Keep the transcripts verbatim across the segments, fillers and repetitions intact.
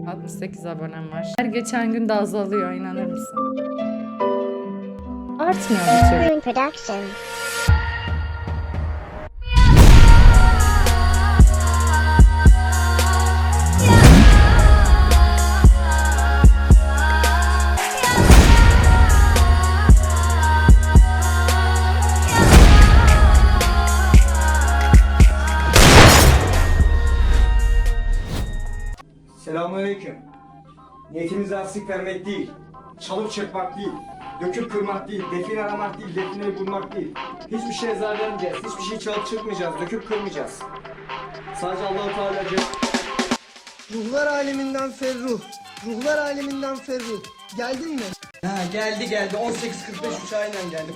altmış sekiz abonem var. Her geçen gün de azalıyor, inanır mısın? Artmıyor bir türlü. Production. Selamünaleyküm. Niyetimiz arsızlık vermek değil, çalıp çırpmak değil, döküp kırmak değil, define aramak değil, defineyi bulmak değil. Hiçbir şeye zarar vermeyeceğiz, hiçbir şeyi çalıp çırpmayacağız, döküp kırmayacağız. Sadece Allah-u Teala'cı. Ruhlar aleminden Ferruh. Ruhlar aleminden Ferruh. Geldin mi? Ha geldi geldi, on sekiz kırk beş uçağıyla geldi.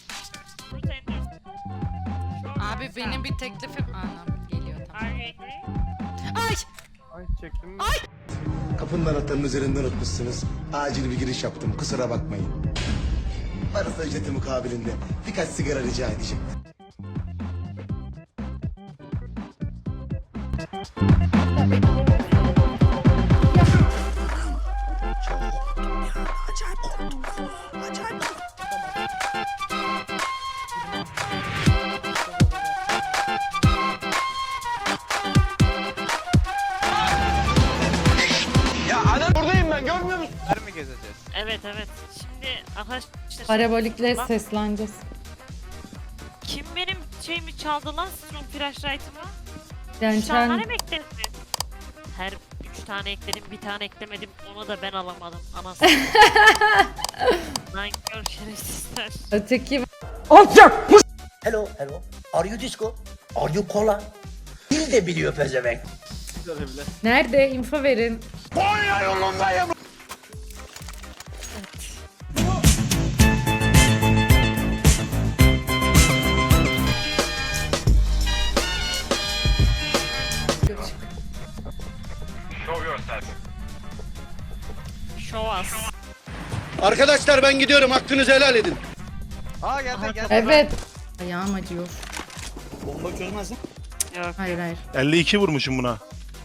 Abi benim bir teklifim... Anam geliyor tamam. Ay! Ay çektim mi? Kapının anahtarının üzerinden unutmuşsunuz. Acil bir giriş yaptım, kusura bakmayın. Varsa ücreti mukabilinde birkaç sigara rica edeceğim. Buradayım ben, görmüyor musun? Nerede mi gezeceğiz? Evet evet. Şimdi arkadaşlar Parabolikle Bak, sesleneceğiz. kim benim şeyimi çaldı lan Strong Flashlight'ımı? Yani Üç tane sen... mi ekledin? Her üç tane ekledim, bir tane eklemedim. Onu da ben alamadım. Anasını. Lan gör şerefsizler. Öteki... Hello, hello. Are you disco? Are you cola? Dil de biliyor pezevenk. Nerede? Info verin. Konya yolundayım. Show us. Arkadaşlar ben gidiyorum, hakkınızı helal edin. Aa geldi geldi. Evet. Ayağım acıyor. Bomba çözmez lan. Yok. Hayır hayır. elli iki vurmuşum buna.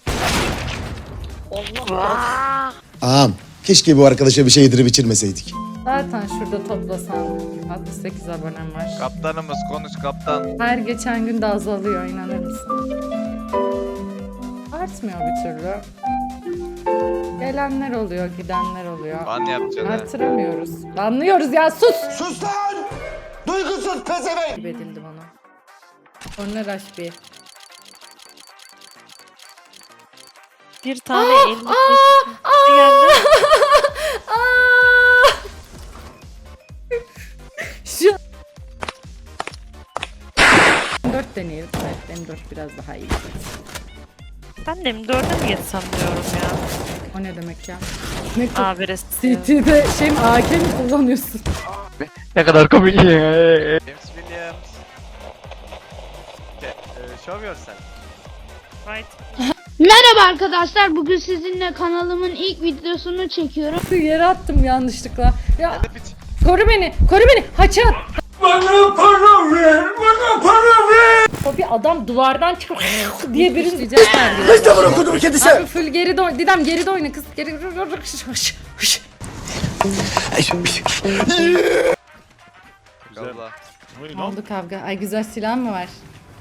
Allah. Ağam, keşke bu arkadaşa bir şey yedirip içirmeseydik. Zaten şurada toplasan altmış sekiz abonem var. Kaptanımız konuş kaptan. Her geçen gün de azalıyor, inanır mısın? Artmıyor bir türlü. Gelenler oluyor, gidenler oluyor. Ban yapacaksın ha. Artıramıyoruz. Anlıyoruz ya, sus! Sus lan! Duygusuz pezevenk! Gibi edildi bana. Sonra rush bir. Bir tane elli geldi. Şu dört deneyelim. Evet, benim dört biraz daha iyi. Ben de mi dörde mi geçsem diyorum ya. O ne demek ya? Ne Abi rest. C T'de şey mi, A K mi kullanıyorsun? Ne kadar komik. James Williams. Okay, uh, show yourself. Right. Merhaba arkadaşlar. Bugün sizinle kanalımın ilk videosunu çekiyorum. Yere attım yanlışlıkla. Ya Hadi piç. koru beni, koru beni. Haçat. Bana para ver, bana para ver! O bir adam duvardan çıkıp diye birini diyecekler diyor. İşte bunu okudum kedisi! Abi full geride oyna. Didem geride oyna kız. Geri... Allah. Ne oldu kavga? Ay güzel silah mı var?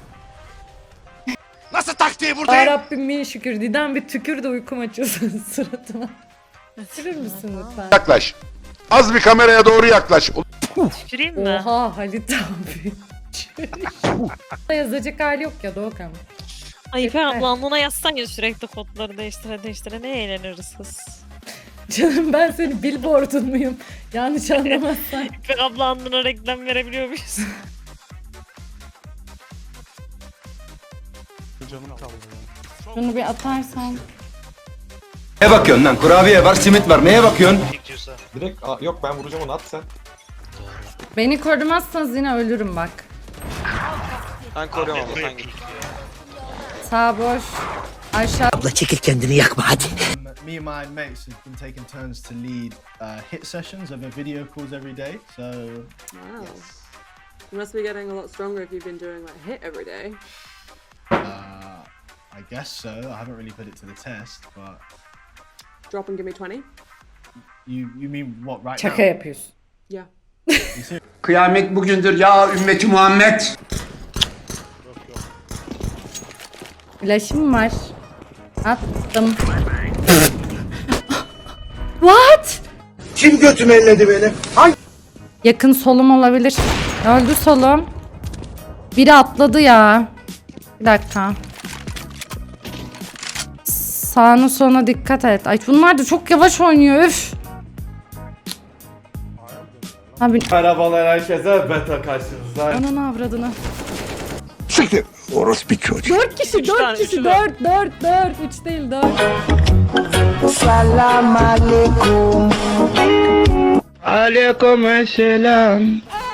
Nasıl taktiği Ya buradayım? Rabbim bin şükür. Didem bir tükür de uykum açıyorsun suratıma. Tükürür müsün lütfen? Yaklaş. Az bir kameraya doğru yaklaş. Tüküreyim mi? Oha Halit abi. Yazacak hali yok ya Doğukan. Ay İpek abla alnına yazsan ya sürekli kodları değiştire değiştire ne eğleniriz kız. Canım ben senin billboardun muyum? Yanlış anlamazsan. İpek abla alnına reklam verebiliyor muyuz? Canım kaldı ya. Bunu bir atarsan. Neye bakıyorsun lan? Kurabiye var, simit var. Neye bakıyorsun? Direkt Aa, yok ben vuracağım onu at sen. Beni korumazsanız yine ölürüm bak. Ben koruyorum abla sen git. Sağ boş. Aşağı. Abla çekil kendini yakma hadi. Me and my mates have been taking turns to lead uh, hit sessions over video calls every day. So, Wow. You must be getting a lot stronger if you've been doing like hit every day. uh, I guess so. I haven't really put it to the test, but drop and give me twenty? You you mean what right Şaka now? yapıyorsun. Yeah. Kıyamet bugündür ya ümmeti Muhammed. Flash'ım var. Attım. What? Kim götümü elledi benim? Yakın solum olabilir. Öldü solum. Biri atladı ya. Bir dakika. Sağına soluna dikkat et. Ay bunlar da çok yavaş oynuyor. Üf. Abi Merhabalar herkese, beta karşınızda. ananı avradını. Siktir. Orospu çocuğu. Dört kişi, dört tane, kişi, üçü dört, dört, dört. Üç değil, dört. Salam aleyküm. Aleyküm selam.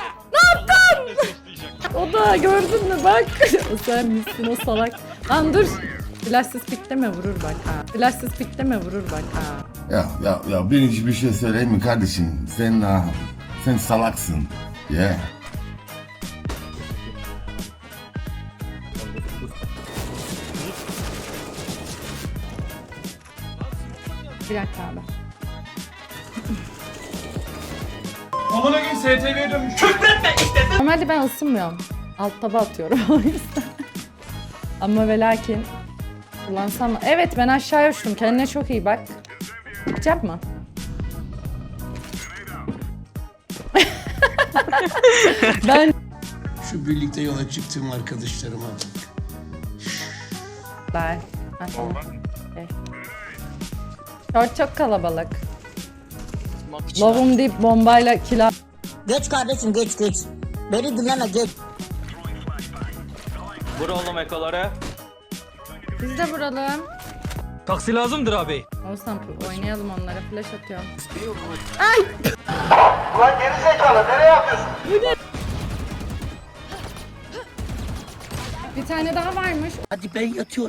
O da gördün mü bak. O sen misin o salak. Lan dur. Flashsız pikleme vurur bak ha. Flashsız pikleme vurur bak ha. Ya ya ya ben hiçbir şey söyleyeyim mi kardeşim? Sen ah, sen salaksın. Yeah. Bir dakika abi. Amına gün S T V'ye dönmüş. Normalde ben ısınmıyorum. Alt taba atıyorum o yüzden. Ama ve lakin kullansam... Evet ben aşağıya uçtum. Kendine çok iyi bak. Çıkacak mı? ben... Şu birlikte yola çıktığım arkadaşlarıma bak. Bye. Okay. Short çok kalabalık. Lovum deyip bombayla kila... Geç kardeşim geç geç. Beni dinleme geç. Vur oğlum ekoları. Biz de vuralım. Taksi lazımdır abi. Olsan oynayalım onlara. Flash atıyorum. Ulan geri zekalı nereye yapıyorsun? Bir tane daha varmış. Hadi ben yatıyorum.